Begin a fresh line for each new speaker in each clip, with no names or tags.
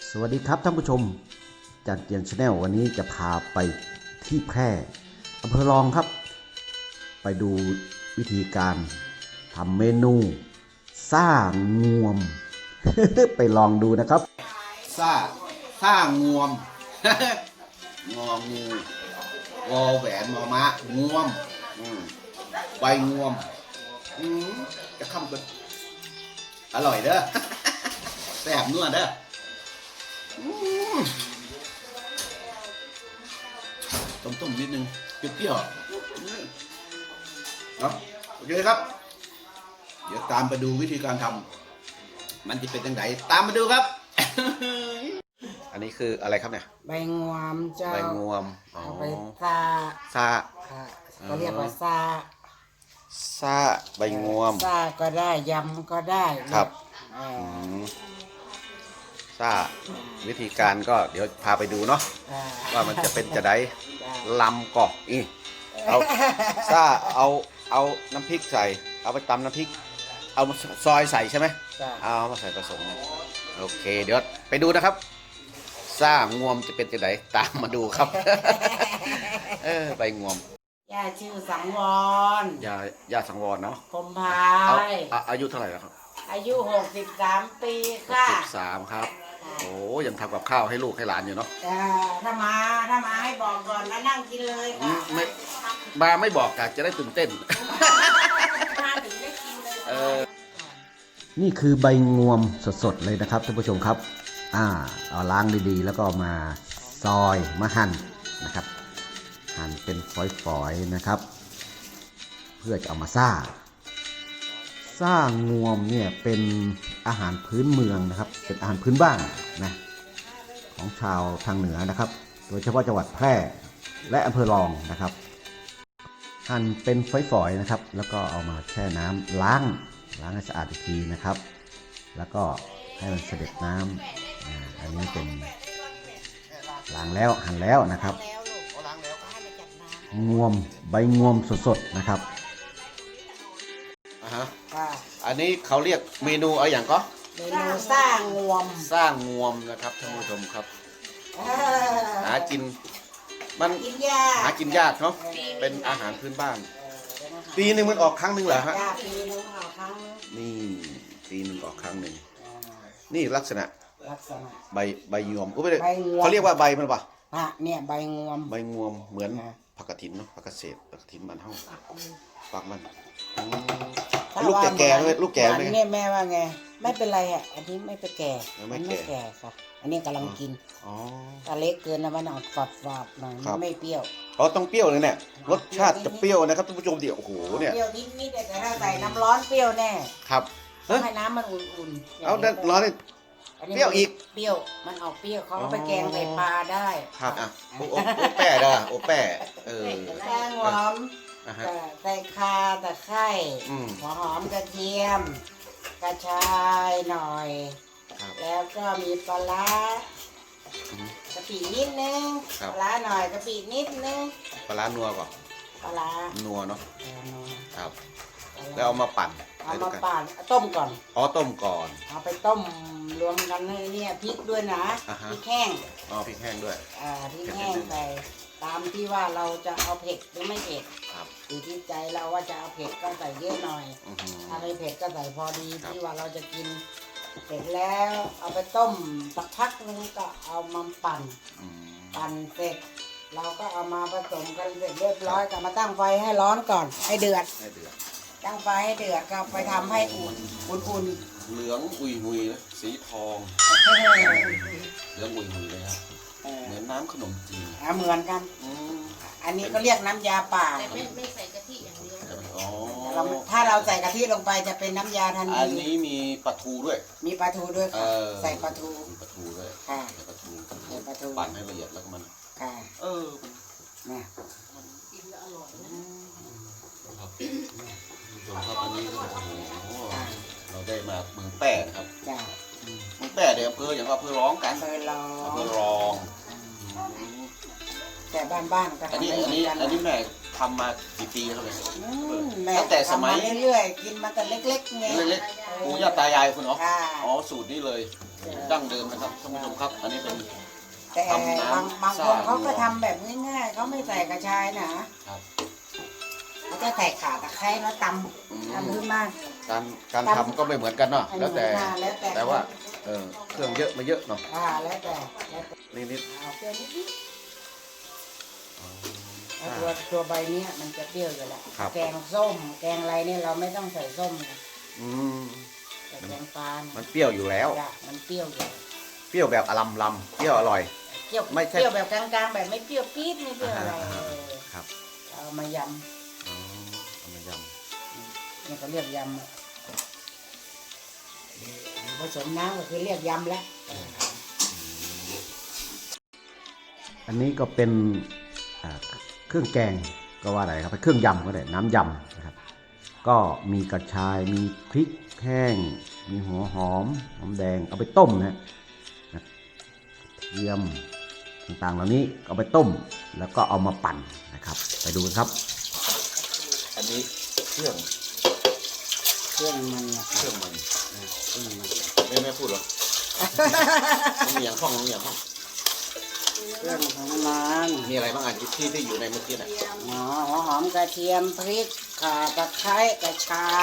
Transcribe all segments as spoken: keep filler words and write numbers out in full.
สวัสดีครับท่านผู้ชมจันเจียนชาแนลวันนี้จะพาไปที่แพร่อำเภอรองครับไปดูวิธีการทำเมนูซ่างวม ไปลองดูนะครับ
ซ่าซ่างวม งองูวอแหวนมอมะงวมใบงวมจะคำกันอร่อยเด้อ แซ่บนัวเด้อต้มๆนิดนึงเปรี้ยวๆเนาะโอเคครับเดี๋ยวตามไปดูวิธีการทำมันจะเป็นยังไงตามมาดูครับ อันนี้คืออะไรครับเนี่ย
ใบงวมเจ้า
ใบงวม
เอาไปซา
ซา
เขาเรียกว่าซา
ซาใบงวม
ซาก็ได้ยำก็ได้
ครับซาวิธีการก็เดี๋ยวพาไปดูเนาะว่ามันจะเป็นจะได้ลำกอกอีเอาซาเอาเอาน้ำพริกใส่เอาไปตำน้ำพริกเอาซอยใส่ใช่ไหมเอามาใส่ผสมโอเคเดี๋ยวไปดูนะครับซ่างวมจะเป็นจะไหนตามมาดูครับ เออใบงวม
ย่าชื่อสังวร
ยาย่าสังวรเนาะ
คมพาย
อายุเท่าไหร่แล้วครับ
อายุหกสิบสามปีค่ะ
หกสิบสามครับโอ้ยังทำกับข้าวให้ลูกให้หลานอยู่เนาะ
ถ้ามาถ้ามาให้บอกก่อนมานั่งกินเลยค่ะ
ไม่มาไม่บอกกะจะได้ตื่นเต้น
มาถึงได้กินเลย
เออ
นี่คือใบงวมสดๆเลยนะครับท่านผู้ชมครับอ่าเอาล้างดีๆแล้วก็มาซอยมาหั่นนะครับหั่นเป็นฝอยๆนะครับเพื่อจะเอามาซ่าซ่างวมเนี่ยเป็นอาหารพื้นเมืองนะครับเป็นอาหารพื้นบ้านนะของชาวทางเหนือนะครับโดยเฉพาะจังหวัดแพร่และอำเภอรองนะครับหั่นเป็นฝอยๆนะครับแล้วก็เอามาแช่น้ำล้างล้างให้สะอาดอีกทีนะครับแล้วก็ให้มันเสด็จน้ำอันนี้เป็นล้างแล้วหั่นแล้วนะครับงวมใบงวมสดๆนะครับ
อ่าฮะอันนี้เขาเรียกเมนูอะไรอย่างก็
เมนูสร้างงวม
สร้างงวมนะครับท่านผู้ชมครับหากินมันหากินยากเนาะเป็นอาหารพื้นบ้านปีหนึ่งมันออกครั้งหนึ่งเหรอฮะ
ปีหนึ่งออกครั้ง
นี่ปีหนึ่งออกครั้งหนึ่งนี่ลักษณะใบใบงวมเขาเรียกว่าใบมันป่ะ
อ่ะเนี่ยใบงวม
ใบงวมเหมือนผักกระถินเนาะผักกระเศษผักกระถินมันเท่าปักมันลูกแก่แก่ไหมลูกแก่ไหม
เนี่ยแม่ว่าไงไม่เป็นไรอ่ะอันนี้ไม่เป็นแก่
ไม่
แก่ค่ะอันนี้กำลังกินถ้าเล็กเกินนะมันออกฝาดฝาดหน่อยไม่เปรี้ยว
อ๋อต้องเปรี้ยวเลยเนี่ยรสชาติจะเปรี้ยวนะครับท่านผู้ชมเดี๋ยวโอ้โหเนี่ย
เปรี้ยวนิดๆแต่ถ้าใส่น้ำร้อนเปรี้ยวแน่
ครับ
ให้น้ำมันอุ่น
ๆเอาร้อนนี่เปรี้ยวอีก
เปรี้ยวมันออกเปรี้ยวเขาไปแกงใส่ปลาได้
ครับอ่ะโอโอแป้ด้โอแป้เออ
แป้งหอมใส่ข่าตะไคร้หัวหอมกระเทียมกระชายหน่อยแล้วก็มีปลาร้ากะปินิดนึงปลาร้าหน่อยกะปินิดนึง
ปลาร้านัวก่อน
ปลาร้า
นัวเนาะครับแล้วเอามาปั่น
เอามาปั่นต้มก่อน
อ๋อต้มก่อน
เอาไปต้มรวมกันให้เนี่ยพริกด้วยนะพริกแห้ง
อ๋อพริกแห้งด้วย
อ่าพริกแห้งไปตามที่ว่าเราจะเอาเผ็ดหรือไม่เผ็ดอยู่ที่ใจเราว่าจะเอาเผ็ดก็ใส่เยอะหน่อยถ้าไม่เผ็ดก็ใส่พอดีที่ว่าเราจะกินเสร็จแล้วเอาไปต้มสักพักนึงก็เอามาปั่นปั่นเสร็จเราก็เอามาผสมกันเสร็จเรียบร้อยก็มาตั้งไฟให้ร้อนก่อนให้เดือดตั้งไฟให้เดือดก็ไปทำให้อุ่นอุ่น
เหลืองอุยหุยนะสีทองเหลืองอุยหุยเลยครับเหมือนน้ำขนมจีน
เหมือนกันอันนี้ก็เรียกน้ำยาป่า
ไม่ไม่ใส่กะทิอย่างเดียว
ถ้าเราใส่กะทิลงไปจะเป็นน้ำยาทันที
อันนี้มีปลาทูด้วย
มีปลาทูด้วยค่ะใส่ปลาทู
มีปลาทูด้วย
ค่ะ
ใส่ปลาทู
ใส่ปลาทู
ปั่นให้ละเอียดแล้วก็มัน
ค่ะ
เออ
เนี่ย
กินแล้วอร่อย
ครับส่วนครับอันนี้ก็โอ้โหเราได้มาเมืองแป้นะครับ
จ้า
เมืองแป้เดี๋ยวอำเภออย่างว่าอำเภอร้องกัน
อำเภอร้อง
อำเภอร้อง
แต่บ้านๆก็
อันนี้อันนี้อันนี้แม่ทำมากี่ปีแล้วเนี่ย
อืมแม่
ตั้งแต่สมัย
ทำาเรื่อยๆกินมาแต่เล็กๆไง
เล็กๆปู่ย่าตายายคุณเนาะ
ค่ะ
อ๋อสูตรนี้เลยดั้งเดิมนะครับท่านผู้ชมครับ อันนี้เป็น
แต่
ทำน้ำ
บางบางคน
ซ่า
เขาก็ทำแบบง่ายๆเขาไม่ใส่กระชายนะครับ เขาจะใส่ข่าตะไคร้แล้วต
อืม
ำทำขึ้นมา
การการทำก็ไม่เหมือนกันเนาะแล้วแต่
แล้วแต่
แต่ว่าเออเครื่องเยอะมาเยอะเนาะ
อ่าแล้วแต่แล้วแต่
นิดนิด
เอาเปรี้ยวนิด
ๆอ๋อ
ๆแล้วตัวตัวใบเนี้ยมันจะเปรี้ยวอยู่แล้ว
ครับ
แกงส้ม แกงอะไรเนี่ยเราไม่ต้องใส่ส้มนะ
อืม
แต่แกงปลาเนี่ย
มันเปรี้ยวอยู่แล้ว
จ้ะมันเปรี้ยวอยู่
เปรี้ยวแบบอลัมลำเปรี้ยวอร่อย
เปรี้ยว
ไม่ใช่
เปรี้ยวแบบกลางๆแบบไม่เปรี้ยวปี๊ดไม่เปรี้ยวอะไร
อ่า
เออ
ครับ
เอามาย
อ๋อเอามาย
ำเนี่ยเขาเรียกยำอะผสมน้ำก็คือเรียกยำแล้ว
อันนี้ก็เป็นอ่าเครื่องแกงก็ว่าอะไรครับเป็นเครื่องยำก็ได้น้ำยำนะครับ ก็มีกระชายมีพริกแห้ง มีหัวหอมหอมแดงเอาไปต้มนะนะเทียมต่างๆเหล่านี้เอาไปต้มแล้วก็เอามาปั่นนะครับ ไปดูกันครับ
ำอันนี้เครื่อง
เครื่องมันนะ
เครื่องมัน
เครื่องมัน
ไม่ไม่พูดหรอมันมีอย่างห้องมันมีอย่างห้อง
เครื่องของมัน
มีอะไรบ้างอ่ะที่ที่อยู่ในเมื่อกี้น่ะ
หอหัวหอมกระเทียมพริกข่าตะไคร้กระชาย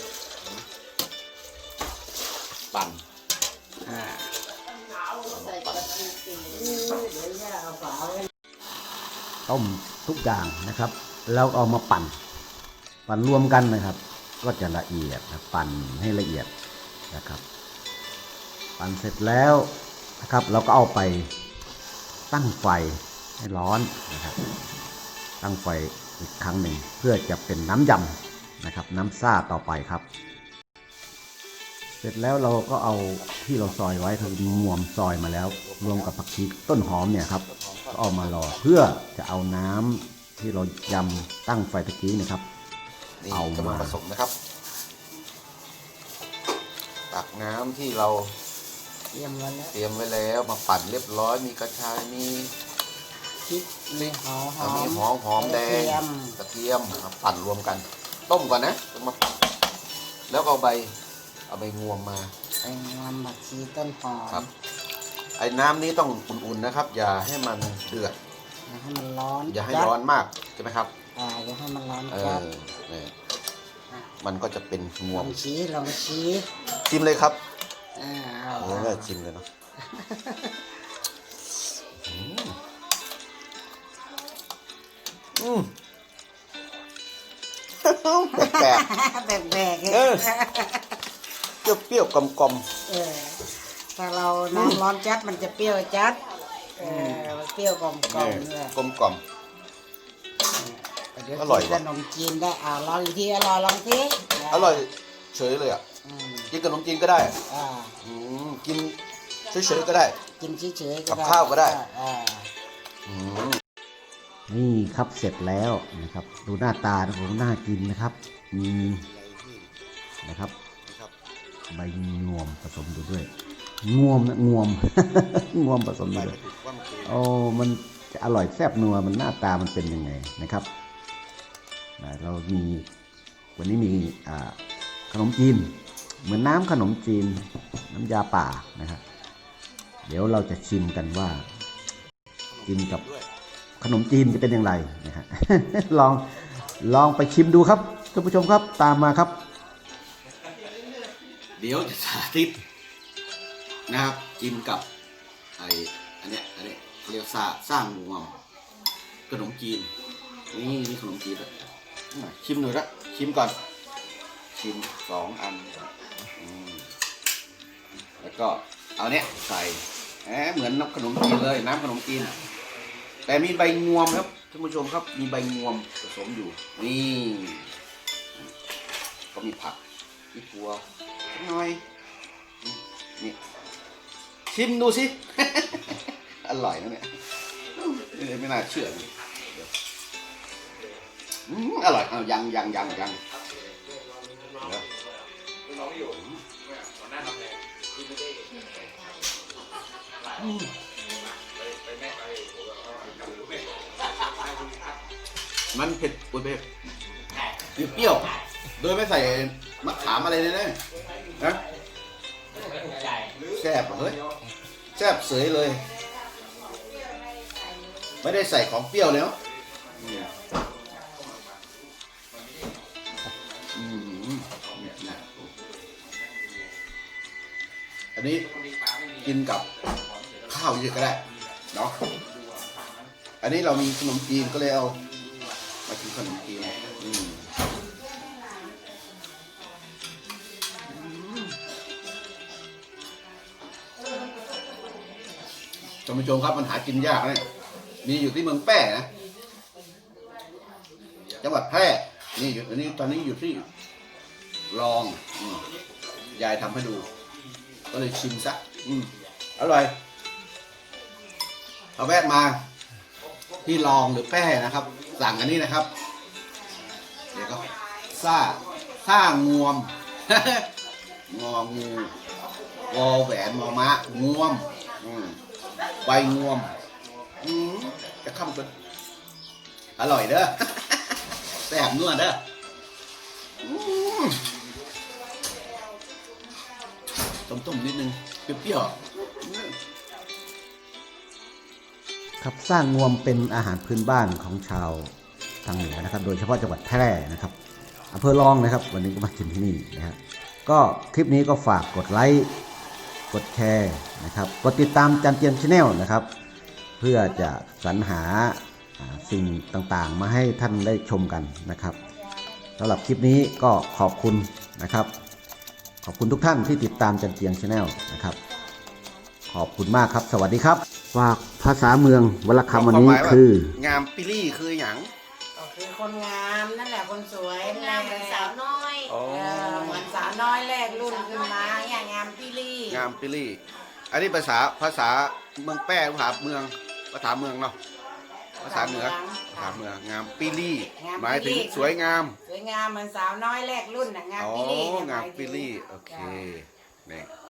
ปั่น
อ่า
ใส่กระดูกเป็น
เดี๋ยวแม่เอาฝาไว้
ต้มทุกอย่างนะครับ แล้วเอามาปั่น ปั่นรวมกันนะครับ ก็จะละเอียดนะปั่นให้ละเอียดนะครับ ปั่นเสร็จแล้วนะครับ เราก็เอาไปตั้งไฟให้ร้อนนะครับ ตั้งไฟอีกครั้งหนึ่งเพื่อจะเป็นน้ำยำนะครับ น้ำซ่าต่อไปครับ เสร็จแล้วเราก็เอาที่เราซอยไว้คืองวมซอยมาแล้ว รวมกับผักชีต้นหอมเนี่ยครับก็เอามารอเพื่อจะเอาน้ำที่เรายำตั้งไฟตะกี้นะครับ
นี่
เอา
กำลัง
มา
ผสมนะครับ ตักน้ำที่เรา
เตรียมไว้แล้ว
เตรียมไว้แล้วมาปั่นเรียบร้อยมีกระชายมี
พริกมีหอมห
อ่า
อ
มี
ม
หอมหอมแดง
กระเทียม
กระเทียมมาปั่นรวมกัน ต้มก่อนนะต้องมาปั่นแล้วก็เอาใบเอาใบงวมมา
ไอ้งามผักชีต้นหอม
ครับ ไอ้น้ำนี้ต้องอุ่นๆนะครับ อย่าให้มันเดือด
อย่าให้มันร้อน
อย่าให้
จัด
ร้อนมากใช่ไหมครับ
อ่าอย่าให้มันร้อน
เอ
จัด
อเนี่ยมันก็จะเป็นง
ล
ว
อ
ม
งชี้ลองชี้
ชิมเลยครับ
อ่าเอา
โอ้ยชิมเลยเนาะอืมอืมแปลก
แบกๆ
เออ ๆเปรี้ยวๆกลม
เออถ้าเราน้ำร้อนจัดมันจะเปรี้ยวจัดเออมันเปรี้ยวกลม
ๆ
กลมเลย
กลมกล่อม
เดี๋ยว
อร่อย
กิน
ว่ะ
ขนมจีนได้อ่าลองอีกทีอร่อยลองที
อร่อยเฉยเลยอ่ะ
อืม
กินกับขนมจีนก็ได้
อ่า
อืมกินเฉยๆก็ได้
กินเฉยๆก็
กับ
ได้
ข้าวก็ได้
อ่า
อืม
นี่ครับเสร็จแล้วนะครับ ดูหน้าตานะผมน่ากินนะครับ มีนะครับ
นะครับ
ใบงวมผสมอยู่ด้วย งวมนะงวม งวมผสมอยู่ด้วย
ว่ามันคือ
โอ้มันจะอร่อยแซ่บนัวมันหน้าตามันเป็นยังไงนะครับนะเรามีวันนี้มีอ่าขนมจีน เหมือนน้ำขนมจีน น้ำยาป่านะครับ เดี๋ยวเราจะชิมกันว่ากินกับ
ด้วย
ขนมจีนจะเป็นอย่างไรนะฮ ะ ลองลองไปชิมดูครับท่านผู้ชมครับตามมาครับ
เดี๋ยวจะสาธิตนะครับกินกับไออันเนี้ยอันเนี้ยเขาเรียกซ่าสร้างงวงขนมจีนนี่นี่ขนมจีนแล้วชิมหน่อยละชิมก่อน ชิมสองอันอืมแล้วก็เอาเนี้ยใส่แหมเหมือนน้ำขนมจีนเลยน้ำขนมจีนแต่มีใบงวมครับท่านผู้ชมครับมีใบงวมผสมอยู่นี่ก็มีผักมีถั่วหน่อยนี่ชิมดูสิ อร่อยนะเนี่ยเอ้ยไม่น่าเชื่อเลยเดี๋ยวอืมอร่อยเอายังยังยังยังเดี๋ยวอืมมันเผ็ดอุ้ยเผ็ดเปรี้ยวโดยไม่ใส่มะขามอะไรเลยนะนะแซ่บเฮ้ยแซ่บเสยเลย ไม่ได้ใส่ของเปรี้ยวเลยเนาะอืมอันนี้กินกับข้าวเยอะก็ได้เนาะอันนี้เรามีขนมจีนก็เลยเอามากินขนมจีนอืมท่านผู้ชมครับมันหากินยากนะมีอยู่ที่เมืองแป้นะจังหวัดแพร่นี่อยู่อันนี้ตอนนี้อยู่ที่รองอืมยายทำให้ดู ก็เลยชิมซะอืมอร่อยเอาแวะมาที่รองหรือแป้นะครับ สั่งอันนี้นะครับเดี๋ยวก็ซ่าซ่างวม งองูวอแหวนมอมะงวมอืมใบงวมอืมจะข้ามกันอร่อยเด้อ แซ่บนัวเด้ออืมต้มๆนิดนึงเปรี้ยวๆ
ครับสร้างงวมเป็นอาหารพื้นบ้านของชาวทางเหนือนะครับ โดยเฉพาะจังหวัดแพร่นะครับอำเภอรองนะครับ วันนี้ก็มากินที่นี่นะครับก็คลิปนี้ก็ฝากกดไลค์กดแชร์นะครับกดติดตามจันเจียนชาแนลนะครับ เพื่อจะสรรหาสิ่งต่างๆ มาให้ท่านได้ชมกันนะครับสำหรับคลิปนี้ก็ขอบคุณนะครับ ขอบคุณทุกท่านที่ติดตามจันเจียงชาแนลนะครับขอบคุณมากครับสวัสดีครับฝากภาษาเมืองวรรณคำวันนี้คือง
ามปิลี่คืออย่าง
ก็คือคนงามนั่นแหละคนสวย
งามเหมือนสาวน้อย
อ๋อ
เออเหมือนสาวน้อยแรกรุ่นขึ้นมาเนี่ยงามพี่ลี่
งามปิลี่ อันนี้ภาษาภาษาเมืองแป้ภาษาเมืองภาษาเมืองเนาะภาษาเหนือภาษาเมืองงามปิลี่หมายถึงสวยงาม
สวยงามเหมือนสาวน้อยแรกรุ่นน่ะงาม
อ๋อ
พี่ลี่เนี่ยห
งาม
ยถึ
ปิลี่โอเคนี่